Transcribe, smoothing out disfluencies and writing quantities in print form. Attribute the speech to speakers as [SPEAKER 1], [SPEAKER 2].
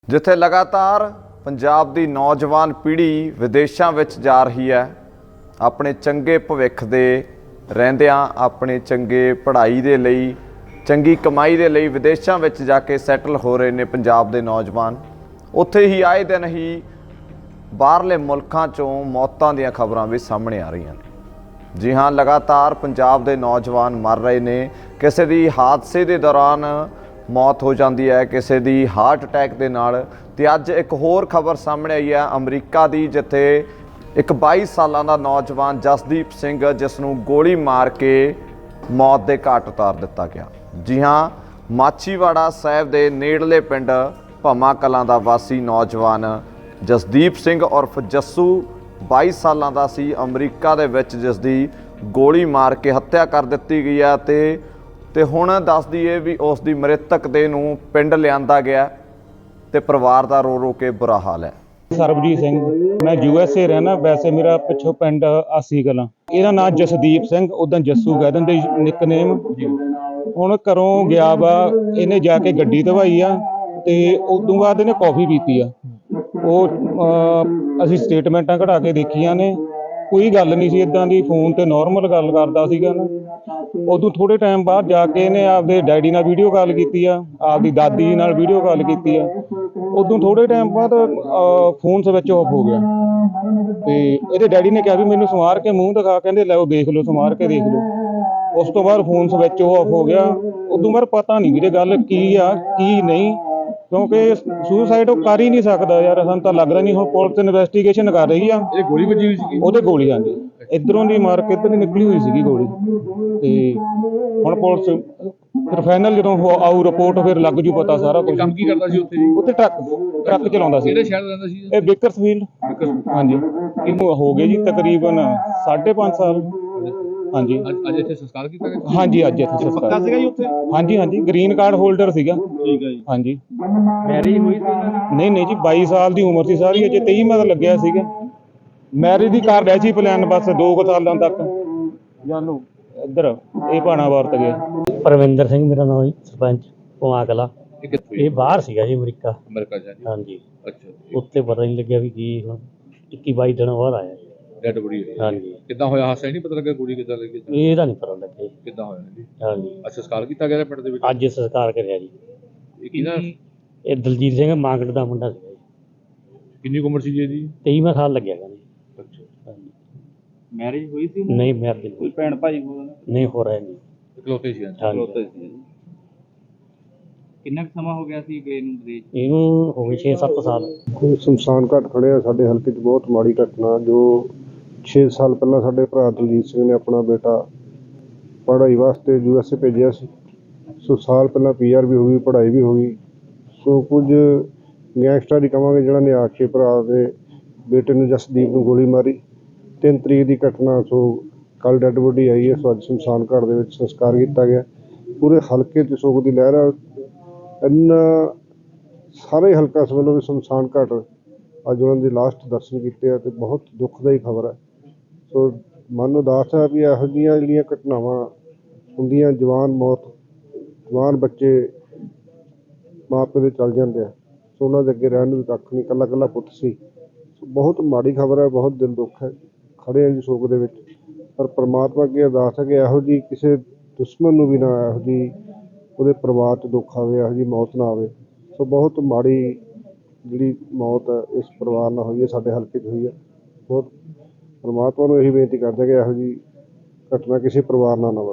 [SPEAKER 1] ਜਿੱਥੇ ਲਗਾਤਾਰ ਪੰਜਾਬ ਦੀ ਨੌਜਵਾਨ ਪੀੜ੍ਹੀ ਵਿਦੇਸ਼ਾਂ ਵਿੱਚ ਜਾ ਰਹੀ ਹੈ ਆਪਣੇ ਚੰਗੇ ਭਵਿੱਖ ਦੇ ਰਹਿੰਦਿਆਂ ਆਪਣੇ ਚੰਗੇ ਪੜ੍ਹਾਈ ਦੇ ਲਈ ਚੰਗੀ ਕਮਾਈ ਦੇ ਲਈ ਵਿਦੇਸ਼ਾਂ ਵਿੱਚ ਜਾ ਕੇ ਸੈਟਲ ਹੋ ਰਹੇ ਨੇ ਪੰਜਾਬ ਦੇ ਨੌਜਵਾਨ। ਉੱਥੇ ਹੀ ਆਏ ਦਿਨ ਹੀ ਬਾਹਰਲੇ ਮੁਲਕਾਂ 'ਚੋਂ ਮੌਤਾਂ ਦੀਆਂ ਖਬਰਾਂ ਵੀ ਸਾਹਮਣੇ ਆ ਰਹੀਆਂ ਨੇ। ਜੀ ਹਾਂ, ਲਗਾਤਾਰ ਪੰਜਾਬ ਦੇ ਨੌਜਵਾਨ ਮਰ ਰਹੇ ਨੇ। ਕਿਸੇ ਦੀ ਹਾਦਸੇ ਦੇ ਦੌਰਾਨ मौत हो जाती है, किसी की हार्ट अटैक के नाल। ते अज एक होर खबर सामने आई है अमरीका की, जिथे एक 22 साल का नौजवान जसदीप सिंह जिसनों गोली मार के मौत के घाट उतार दिता गया। जी हाँ, माछीवाड़ा साहिब के नेड़ले पिंड भमा कलां दा वासी नौजवान जसदीप सिंह उर्फ जस्सू 22 साल का सी, अमरीका दे विच जिसदी गोली मार के हत्या कर दी गई है। ਤੇ ਹੁਣ ਦੱਸ ਦਈਏ ਵੀ ਉਸ ਦੀ ਮ੍ਰਿਤਕ ਦੇ ਨੂੰ ਪਿੰਡ ਲਿਆਂਦਾ ਗਿਆ ਤੇ ਪਰਿਵਾਰ ਦਾ ਰੋ ਰੋ ਕੇ ਬੁਰਾ ਹਾਲ ਹੈ।
[SPEAKER 2] ਸਰਬਜੀਤ ਸਿੰਘ, ਮੈਂ USA ਰਹਿਣਾ। ਵੈਸੇ ਮੇਰਾ ਪਿੱਛੋਂ ਪਿੰਡ ਆਸੀ ਕਲਾਂ। ਇਹਦਾ ਨਾਮ ਜਸਦੀਪ ਸਿੰਘ, ਉਦਾਂ ਜੱਸੂ ਕਹਿ ਦਿੰਦੇ ਨਿਕਨੇਮ। ਹੁਣ ਘਰੋਂ ਗਿਆ ਵਾ, ਇਹਨੇ ਜਾ ਕੇ ਗੱਡੀ ਧਵਾਈ ਆ ਤੇ ਉਦੋਂ ਬਾਅਦ ਇਹਨੇ ਕੌਫੀ ਪੀਤੀ ਆ। ਉਹ ਅਸੀਂ ਸਟੇਟਮੈਂਟਾਂ ਕਢਾ ਕੇ ਦੇਖੀਆਂ ਨੇ, ਕੋਈ ਗੱਲ ਨਹੀਂ ਸੀ ਇੱਦਾਂ ਦੀ। ਫੋਨ ਤੇ ਨੋਰਮਲ ਗੱਲ ਕਰਦਾ ਸੀਗਾ ਨਾ। ਉਦੋਂ ਥੋੜ੍ਹੇ ਟਾਈਮ ਬਾਅਦ ਜਾ ਕੇ ਇਹਨੇ ਆਪਦੇ ਡੈਡੀ ਨਾਲ ਵੀਡੀਓ ਕਾਲ ਕੀਤੀ ਆ, ਆਪਦੀ ਦਾਦੀ ਨਾਲ ਵੀਡੀਓ ਕਾਲ ਕੀਤੀ ਆ। ਉਦੋਂ ਥੋੜ੍ਹੇ ਟਾਈਮ ਬਾਅਦ ਫੋਨ ਸਵਿਚ ਆਫ ਹੋ ਗਿਆ ਤੇ ਇਹਦੇ ਡੈਡੀ ਨੇ ਕਿਹਾ ਵੀ ਮੈਨੂੰ ਸਮਾਰ ਕੇ ਮੂੰਹ ਦਿਖਾ। ਕਹਿੰਦੇ ਲੈ ਉਹ ਦੇਖ ਲਓ, ਸਮਾਰ ਕੇ ਦੇਖ ਲਓ। ਉਸ ਤੋਂ ਬਾਅਦ ਫੋਨ ਸਵਿਚ ਆਫ ਹੋ ਗਿਆ। ਉਦੋਂ ਬਾਅਦ ਪਤਾ ਨਹੀਂ ਵੀਰੇ ਗੱਲ ਕੀ ਆ ਕੀ ਨਹੀਂ, ਕਿਉਂਕਿ ਸੁਸਾਈਡ ਉਹ ਕਰ ਹੀ ਨਹੀਂ ਸਕਦਾ ਯਾਰ। ਸਾਨੂੰ ਤਾਂ ਲੱਗਦਾ ਨਹੀਂ। ਹੁਣ ਪੁਲਿਸ ਇਨਵੈਸਟੀਗੇਸ਼ਨ ਕਰ ਰਹੀ ਆ।
[SPEAKER 3] ਇਹ ਗੋਲੀ ਵੱਜੀ ਹੋਈ ਸੀ?
[SPEAKER 2] ਉਹਦੇ ਗੋਲੀ ਆਂਦੀ ਇੱਧਰੋਂ ਦੀ ਮਾਰ ਕੇ ਇੱਧਰ ਦੀ ਨਿਕਲੀ ਹੋਈ ਸੀਗੀ ਗੋਲੀ। ਤੇ ਹੁਣ ਪੁਲਿਸ ਫਿਰ ਫਾਈਨਲ ਜਦੋਂ ਆਊ ਰਿਪੋਰਟ ਫਿਰ ਲੱਗ ਜੂ ਪਤਾ ਸਾਰਾ ਕੁਝ।
[SPEAKER 3] ਕੰਮ ਕੀ ਕਰਦਾ ਸੀ ਉੱਥੇ ਜੀ?
[SPEAKER 2] ਉੱਥੇ ਟਰੱਕ ਚਲਾਉਂਦਾ ਸੀ।
[SPEAKER 3] ਕਿਹੜੇ ਸ਼ਹਿਰ ਰਹਿੰਦਾ ਸੀ?
[SPEAKER 2] ਇਹ ਬੇਕਰਸਫੀਲਡ। ਹਾਂਜੀ, ਇਹਨੂੰ ਹੋ ਗਏ ਜੀ ਤਕਰੀਬਨ 5.5 ਸਾਲ। ਹਾਂਜੀ।
[SPEAKER 3] ਅੱਜ ਇੱਥੇ ਸੰਸਕਾਰ ਕੀਤਾ ਗਿਆ?
[SPEAKER 2] ਹਾਂਜੀ, ਅੱਜ ਇੱਥੇ ਸੰਸਕਾਰ
[SPEAKER 3] ਸੀਗਾ ਜੀ ਉੱਥੇ?
[SPEAKER 2] ਹਾਂਜੀ ਹਾਂਜੀ, ਗ੍ਰੀਨ ਕਾਰਡ ਹੋਲਡਰ ਸੀਗਾ।
[SPEAKER 3] ਠੀਕ ਹੈ ਜੀ।
[SPEAKER 2] ਹਾਂਜੀ।
[SPEAKER 3] ਮੈਰਿਜ ਹੋਈ ਸੀ ਉਹਨਾਂ ਦੀ?
[SPEAKER 2] ਨਹੀਂ ਜੀ, 22 ਸਾਲ ਦੀ ਉਮਰ ਸੀ ਸਾਰੀ। ਅਜੇ 23 ਮਤ ਲੱਗਿਆ ਸੀਗਾ। ਮੈਰਿਜ ਦੀ ਕਰ ਰਿਹਾ ਸੀ ਪਲਾਨ, ਬਸ 2 ਸਾਲਾਂ ਤੱਕ ਜਾਨੂ ਇੱਧਰ ਇਹ ਭਾਣਾ ਵਰਤ ਗਿਆ।
[SPEAKER 4] ਪਰਵਿੰਦਰ ਸਿੰਘ ਮੇਰਾ ਨਾਮ ਜੀ, ਸਰਪੰਚ ਭਮਾ ਕਲਾਂ।
[SPEAKER 3] ਇਹ ਕਿੱਥੋਂ?
[SPEAKER 4] ਇਹ ਬਾਹਰ ਸੀਗਾ ਜੀ, ਅਮਰੀਕਾ।
[SPEAKER 3] ਅਮਰੀਕਾ ਜਾ ਜੀ?
[SPEAKER 4] ਹਾਂਜੀ।
[SPEAKER 3] ਅੱਛਾ।
[SPEAKER 4] ਉੱਥੇ ਪਤਾ ਨਹੀਂ ਲੱਗਿਆ ਵੀ ਕੀ ਹੁਣ 21-22 ਦਿਨ ਬਾਅਦ ਆਇਆ ਜੀ।
[SPEAKER 3] ਡੈਡ ਬੋਡੀ ਹੋਈ?
[SPEAKER 4] ਹਾਂਜੀ।
[SPEAKER 3] ਕਿੱਦਾਂ ਹੋਇਆ ਹਾਦਸਾ? ਨਹੀਂ ਪਤਾ ਲੱਗਾ ਗੋਲੀ ਕਿੱਦਾਂ ਲੱਗੀ?
[SPEAKER 4] ਇਹਦਾ ਨਹੀਂ ਪਤਾ ਲੱਗਿਆ ਜੀ।
[SPEAKER 3] ਕਿੱਦਾਂ ਹੋਇਆ ਜੀ?
[SPEAKER 4] ਹਾਂਜੀ।
[SPEAKER 3] ਅੱਛਾ, ਸੰਸਕਾਰ ਕੀਤਾ ਗਿਆ ਪਿੰਡ ਦੇ ਵਿੱਚ?
[SPEAKER 4] ਅੱਜ ਸੰਸਕਾਰ ਕਰਿਆ ਜੀ।
[SPEAKER 3] ਇਹ ਕਿਹਦਾ?
[SPEAKER 4] ਇਹ ਦਲਜੀਤ ਸਿੰਘ ਮਾਂਗੜ ਦਾ ਮੁੰਡਾ ਸੀਗਾ ਜੀ।
[SPEAKER 3] ਕਿੰਨੀ ਕੁ ਉਮਰ ਸੀ ਜੀ ਇਹਦੀ?
[SPEAKER 4] 23ਵਾਂ ਸਾਲ ਲੱਗਿਆ ਗਾ ਜੀ।
[SPEAKER 3] ਅੱਛਾ।
[SPEAKER 4] ਹਾਂਜੀ।
[SPEAKER 3] ਮੈਰਿਜ ਹੋਈ ਸੀ?
[SPEAKER 4] ਨਹੀਂ ਮੈਰਿਜ
[SPEAKER 3] ਕੋਈ ਭੈਣ ਭਾਈ ਹੋਣਾ?
[SPEAKER 4] ਨਹੀਂ ਹੋ ਰਿਹਾ ਜੀ।
[SPEAKER 3] ਇਕਲੌਤੇ ਸੀ?
[SPEAKER 4] ਹਾਂਜੀ।
[SPEAKER 3] ਕਿੰਨਾ ਸਮਾਂ ਹੋ ਗਿਆ ਸੀ ਗਏ ਨੂੰ ਵਿਦੇਸ਼?
[SPEAKER 4] ਇਹਨੂੰ ਹੋ ਗਏ 6-7 ਸਾਲ।
[SPEAKER 5] ਸ਼ਮਸ਼ਾਨ ਘਾਟ ਖੜ੍ਹੇ ਆ ਸਾਡੇ ਹਲਕੇ 'ਚ। ਬਹੁਤ ਮਾੜੀ ਘਟਨਾ ਜੋ 6 ਸਾਲ ਪਹਿਲਾਂ ਸਾਡੇ ਭਰਾ ਦਲਜੀਤ ਸਿੰਘ ਨੇ ਆਪਣਾ ਬੇਟਾ ਪੜ੍ਹਾਈ ਵਾਸਤੇ USA ਭੇਜਿਆ ਸੀ। ਸੋ ਸਾਲ ਪਹਿਲਾਂ PR ਵੀ ਹੋ ਗਈ, ਪੜ੍ਹਾਈ ਵੀ ਹੋ ਗਈ। ਸੋ ਕੁਝ ਗੈਂਗਸਟਰ ਹੀ ਕਹਾਂਗੇ ਜਿਹੜਾ ਨੇ ਆ ਕੇ ਭਰਾ ਦੇ ਬੇਟੇ ਨੂੰ ਜਸਦੀਪ ਨੂੰ ਗੋਲੀ ਮਾਰੀ। 3 ਤਰੀਕ ਦੀ ਘਟਨਾ। ਸੋ ਕੱਲ੍ਹ ਡੈੱਡ ਬੋਡੀ ਆਈ ਹੈ। ਸੋ ਅੱਜ ਸ਼ਮਸ਼ਾਨ ਘਾਟ ਦੇ ਵਿੱਚ ਸੰਸਕਾਰ ਕੀਤਾ ਗਿਆ। ਪੂਰੇ ਹਲਕੇ 'ਚ ਸੋਗ ਦੀ ਲਹਿਰ ਆ। ਇੰਨਾ ਸਾਰੇ ਹਲਕਾ ਇਸ ਵੱਲੋਂ ਵੀ ਸ਼ਮਸ਼ਾਨ ਘਾਟ ਅੱਜ ਉਹਨਾਂ ਦੀ ਲਾਸਟ ਦਰਸ਼ਨ ਕੀਤੇ ਆ ਤੇ ਬਹੁਤ ਦੁੱਖਦਾਈ ਖਬਰ ਹੈ। ਸੋ ਮਨ ਉਦਾਸ ਹੈ ਵੀ ਇਹੋ ਜਿਹੀਆਂ ਜਿਹੜੀਆਂ ਘਟਨਾਵਾਂ ਹੁੰਦੀਆਂ, ਜਵਾਨ ਬੱਚੇ ਮਾਂ ਪਿਓ ਦੇ ਚਲ ਜਾਂਦੇ ਆ। ਸੋ ਉਹਨਾਂ ਦੇ ਅੱਗੇ ਰਹਿਣ ਨੂੰ ਕੱਖ ਨਹੀਂ, ਇਕੱਲਾ ਇਕੱਲਾ ਪੁੱਤ ਸੀ। ਸੋ ਬਹੁਤ ਮਾੜੀ ਖਬਰ ਹੈ, ਬਹੁਤ ਦਿਲ ਦੁੱਖ ਹੈ। ਖੜ੍ਹੇ ਆ ਜੀ ਸੋਗ ਦੇ ਵਿੱਚ, ਪਰ ਪਰਮਾਤਮਾ ਅੱਗੇ ਅਰਦਾਸ ਹੈ ਕਿ ਇਹੋ ਜਿਹੀ ਕਿਸੇ ਦੁਸ਼ਮਣ ਨੂੰ ਵੀ ਨਾ ਇਹੋ ਜਿਹੀ ਉਹਦੇ ਪਰਿਵਾਰ 'ਚ ਦੁੱਖ ਆਵੇ, ਇਹੋ ਜਿਹੀ ਮੌਤ ਨਾ ਆਵੇ। ਸੋ ਬਹੁਤ ਮਾੜੀ ਜਿਹੜੀ ਮੌਤ ਇਸ ਪਰਿਵਾਰ ਨਾਲ ਹੋਈ ਹੈ, ਸਾਡੇ ਹਲਕੇ 'ਚ ਹੋਈ ਹੈ। ਬਹੁਤ ਪਰਮਾਤਮਾ ਨੂੰ ਇਹੀ ਬੇਨਤੀ ਕਰਦੇ ਕਿ ਇਹੋ ਜਿਹੀ ਘਟਨਾ ਕਿਸੇ ਪਰਿਵਾਰ ਨਾਲ ਨਾ ਵਾਪਰੇ।